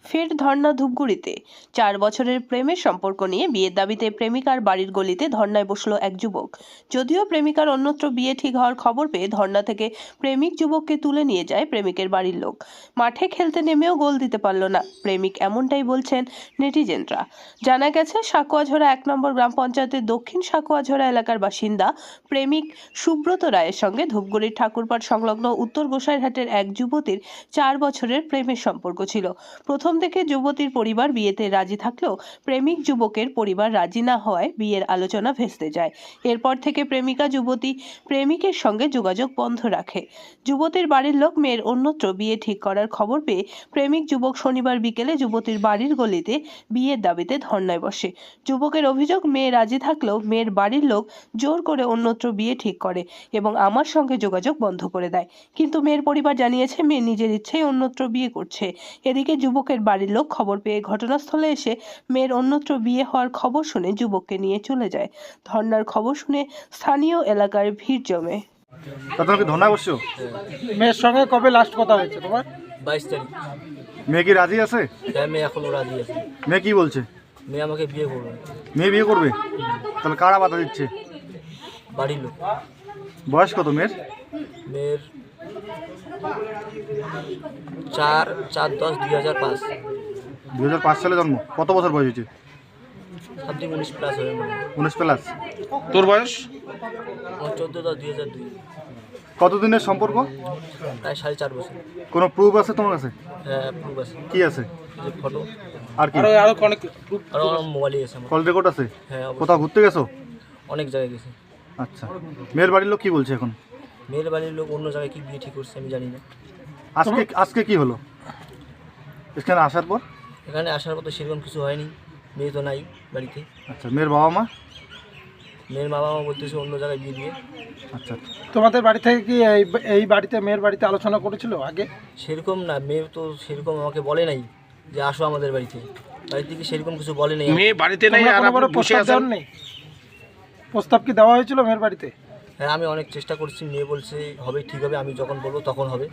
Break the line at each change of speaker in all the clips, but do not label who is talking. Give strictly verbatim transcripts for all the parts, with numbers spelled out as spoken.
ফের ধর্ণা ধূপগুড়িতে। চার বছরের প্রেমের সম্পর্ক নিয়ে বিয়ের দাবিতে প্রেমিকার বাড়ির গলিতে ধর্ণায় বসল এক যুবক। যদিও প্রেমিকার অন্যত্র বিয়ে ঠিক হওয়ার খবর পেয়ে ধর্ণা থেকে প্রেমিক যুবককে তুলে নিয়ে যায় প্রেমিকের বাড়ির লোক। মাঠে খেলতে নেমেও গোল দিতে পারল না প্রেমিক, এমনটাই বলছেন নেটিজেনরা। জানা গেছে, সাকুয়াঝোড়া এক নম্বর গ্রাম পঞ্চায়েতের দক্ষিণ সাকুয়াঝোড়া এলাকার বাসিন্দা প্রেমিক সুব্রত রায়ের সঙ্গে ধূপগুড়ির ঠাকুরপাড় সংলগ্ন উত্তর গোসাইরহাটের এক যুবতীর চার বছরের প্রেমের সম্পর্ক ছিল। প্রথম থেকে যুবতীর পরিবার বিয়েতে রাজি থাকলেও প্রেমিক যুবকের পরিবার রাজি না হওয়ায় বিয়ের আলোচনা ভেস্তে যায়। এরপর থেকে প্রেমিকা যুবতী প্রেমিকের সঙ্গে যোগাযোগ বন্ধ রাখে। যুবতীর বাড়ির লোক মেয়ের অন্যত্র বিয়ে ঠিক করার খবর পেয়ে প্রেমিক যুবক শনিবার বিকেলে যুবতীর বাড়ির গলিতে বিয়ের দাবিতে ধর্নায় বসে। যুবকের অভিযোগ, মেয়ে রাজি থাকলেও মেয়ের বাড়ির লোক জোর করে অন্যত্র বিয়ে ঠিক করে এবং আমার সঙ্গে যোগাযোগ বন্ধ করে দেয়। কিন্তু মেয়ের পরিবার জানিয়েছে মেয়ে নিজের ইচ্ছেই অন্যত্র বিয়ে করছে। এদিকে যুবকের বাড়ির লোক খবর পেয়ে ঘটনাস্থলে এসে মেয়ের অন্যত্র বিয়ে হওয়ার খবর শুনে যুবককে নিয়ে চলে যায়। ধর্নার খবর শুনে স্থানীয় এলাকায় ভিড় জমে।
ধর্নায় বসছো?
মেয়ের সঙ্গে কবে লাস্ট কথা হয়েছে তোমার?
বাইশ তারিখ।
মেয়ে কি রাজি আছে?
হ্যাঁ, মেয়ে এখনো রাজি আছে।
মেয়ে কি বলছে?
মেয়ে আমাকে বিয়ে করবে।
মেয়ে বিয়ে করবে? তাহলে কারা বাধা দিচ্ছে?
বাড়ির লোক।
বয়স কত মেয়ের?
মেয়ের চার চার দশ দুই হাজার পাঁচ।
দুই হাজার পাঁচ সালে জন্ম। কত বছর বয়স হয়েছে?
সামথিং উনিশ প্লাস হবে মনে হয়।
উনিশ প্লাস।
তোর বয়স?
আমার চোদ্দো দশ দুই হাজার দুই।
কতদিনের সম্পর্ক?
প্রায় সাড়ে চার বছর।
কোনো প্রুফ আছে তোমার কাছে?
হ্যাঁ, প্রুফ আছে।
কি আছে?
যে ফটো
আর কি?
আরো অনেক
আরও আমার মোবাইলে গেছে আমার।
কল রেকর্ড আছে?
হ্যাঁ, অবশ্যই।
কোথাও ঘুরতে গেছো?
অনেক জায়গায় গেছে।
আচ্ছা, মেয়ের বাড়ির লোক কি বলছে এখন?
মেয়ের বাড়ির লোক অন্য জায়গায় কি বিয়ে ঠিক করছে আমি জানি না।
আজকে আজকে কি হলো এখানে আসার পর?
এখানে আসার পর তো সেরকম কিছু হয়নি। মেয়ে তো নাই বাড়িতে।
আচ্ছা, মেয়ের বাবা মা?
মেয়ের বাবা মা বলতেছে অন্য জায়গায় বিয়ে দিয়ে।
আচ্ছা,
তোমাদের বাড়ি থেকে কি এই এই বাড়িতে মেয়ের বাড়িতে আলোচনা করেছিল আগে?
সেরকম না, মেয়ে তো সেরকম আমাকে বলে নাই যে আসো আমাদের বাড়িতে। বাড়ি থেকে সেরকম কিছু বলে নাই।
মেয়ে বাড়িতে নেই আর
তোমরা কোনো
আপনি বসে
প্রস্তাব
আছেন?
দেওয়া নেই? প্রস্তাব কি দেওয়া হয়েছিল মেয়ের বাড়িতে?
হ্যাঁ, আমি অনেক চেষ্টা করছি। মেয়ে বলছে হবে, ঠিক হবে, আমি যখন বলবো তখন হবে।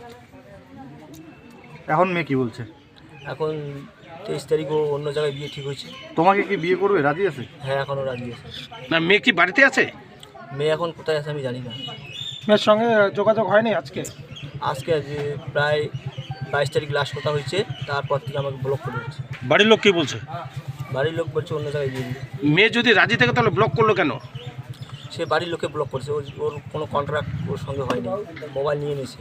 এখন মেয়ে কি বলছে?
এখন তেইশ তারিখও অন্য জায়গায় বিয়ে ঠিক হয়েছে।
তোমাকে কি বিয়ে করবে? রাজি আছে?
হ্যাঁ, এখনও রাজি আছে।
না, মেয়ে কি বাড়িতে আছে?
মেয়ে এখন কোথায় আছে আমি জানি না।
মেয়ের সঙ্গে যোগাযোগ হয়নি আজকে?
আজকে যে প্রায় বাইশ তারিখ লাস্ট কথা হয়েছে, তারপর থেকে আমাকে ব্লক করে দিচ্ছে।
বাড়ির লোক কি বলছে?
বাড়ির লোক বলছে অন্য জায়গায় বিয়ে দিবে।
মেয়ে যদি রাজি থাকে তাহলে ব্লক করলো কেন?
সে বাড়ির লোকে ব্লক করছে। ওর ওর কোনো কন্ট্রাক্ট ওর সঙ্গে হয়নি। মোবাইল নিয়ে নিয়েছে।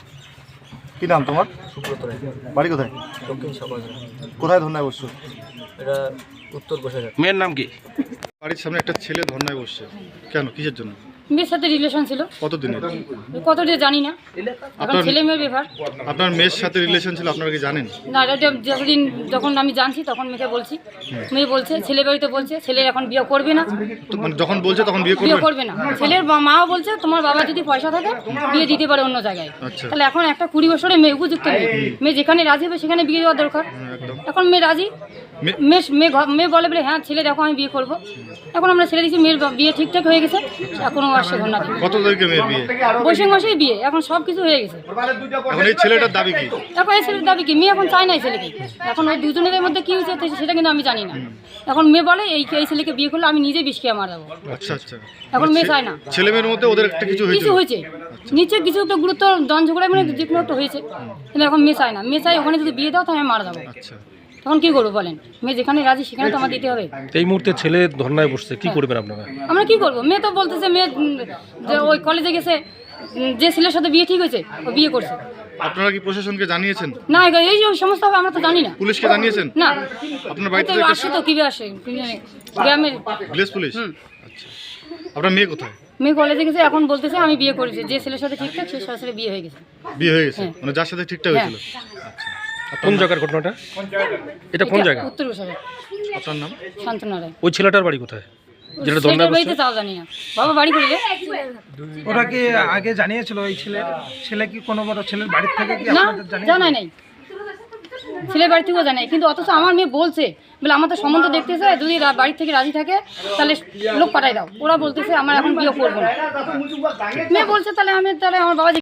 কি নাম তোমার?
সুব্রত রায়।
বাড়ি কোথায়?
দক্ষিণ সকাল।
কোথায় ধর্নায় বসছো?
এটা উত্তর গোসাইরহাট।
মেয়ের নাম কি?
বাড়ির সামনে একটা ছেলে ধর্নায় বসছে, কেন, কিসের জন্য?
মেয়ের সাথে রিলেশন ছিল।
কতদিনের?
কত দিয়ে জানি না, এখন
আপনার-
ছেলে মেয়ের ব্যাপার।
আপনার মেয়ের সাথে রিলেশন ছিল, আপনারা কি জানেন?
না, এটা যতদিন যখন আমি জানছি তখন মেয়েকে বলছি। মেয়ে বলছে, ছেলে বাড়িতে বলছে ছেলের এখন বিয়ে করবে না,
তো মানে যখন বলছে তখন বিয়ে
বিয়ে
করবে?
করবে না। ছেলের বা- মাও বলছে তোমার বাবা যদি পয়সা থাকে বিয়ে দিতে পারে অন্য জায়গায়।
আচ্ছা।
তাহলে এখন একটা কুড়ি বছরের মেয়ে, উপযুক্ত মেয়ে, মেয়ে যেখানে রাজি হবে সেখানে বিয়ে দেওয়া দরকার।
একদম।
এখন মেয়ে রাজি।
মে-
মেয়ে মেয়ে ঘ- মেয়ে বলে বলে হ্যাঁ ছেলে দেখো আমি বিয়ে করবো। এখন আমরা ছেলে দিচ্ছি, মেয়ের বা- বিয়ে ঠিকঠাক হয়ে গেছে, এখনও আসছে ঘটনা।
কত তারিখে মেয়ের বিয়ে?
বৈশাখ মাসেই বিয়ে, এখন সব কিছু হয়ে গেছে।
এখন এই ছেলেটার দাবি কি?
এখন এই ছেলের দাবি কি? মেয়ে এখন চায় না এই ছেলেকে। এখন ওই দুজনের মধ্যে কি হয়েছে তো সেটা কিন্তু আমি জানি না। এখন মেয়ে বলে এই এই ছেলেকে বিয়ে করলে আমি নিজে বিষ খেয়ে মারা যাবো।
আচ্ছা আচ্ছা,
এখন মেয়ে চায় না।
ছেলে মেয়ের মধ্যে ওদের একটা কিছু হয়েছে?
কিছু হয়েছে নিচে, কিছু একটা গুরুত্ব দন ঝগড়ায় মানে যে কোনো একটা হয়েছে, কিন্তু এখন মেয়ে চায় না। মেয়ে চাই ওখানে যদি বিয়ে দাও তো আমি মারা যাবো।
আচ্ছা,
তখন কি করবো বলেন? মেয়ে যেখানে রাজি সেখানে তো আমার দিতে হবে।
এই মুহূর্তে ছেলে ধর্নায় বসছে, কি করবেন আপনারা?
আমরা কি করবো? মেয়ে তো বলতেছে মেয়ে উম, যে ওই কলেজে গেছে, উম, যে ছেলের সাথে বিয়ে ঠিক হয়েছে ও বিয়ে করছে।
আপনারা কি প্রশাসনকে জানিয়েছেন?
না, এই যে ওই সমস্ত হবে আমরা তো জানি না।
পুলিশকে জানিয়েছেন?
না,
আপনার বাড়িতে
তো আসে তো কিভাবে আসে গ্রামের।
Village police? আচ্ছা, আপনার মেয়ে কোথায়?
মেয়ে কলেজে গেছে, এখন বলতেছে আমি বিয়ে করেছি, যে ছেলের সাথে ঠিকঠাক সে সাথে বিয়ে হয়ে গেছে।
বিয়ে হয়ে গেছে?
হ্যাঁ।
মানে যার সাথে ঠিকঠাক হয়েছিল?
কোন জায়গার ঘটনাটা? এটা কোন জায়গা?
উত্তর গোসাবে।
আপনার নাম?
শান্তনা রায়।
ওই ছেলেটার বাড়ি কোথায় যেটা ধর্নায়
ছেলের
বসছে?
বাড়িতে তাও জানি না। বাবা বাড়ি করে
ওরা কি আগে জানিয়েছিল এই ছেলে? ছেলে কি কোনো বড় ছেলের বাড়ির থেকে কি
না,
আপনাদের জানিয়েছিল?
জানাই নাই। ছেলের বাড়ি থেকেও জানাই, কিন্তু অথচ আমার মেয়ে বলছে বলে আমার তো সম্বন্ধ দেখতেছে, যদি রা- বাড়ি থেকে রাজি থাকে তাহলে লোক পাঠাই দাও। ওরা বলতেছে আমার এখন বিয়ে করবো না। মেয়ে বলছে তাহলে আমি তাহলে আমার বাবা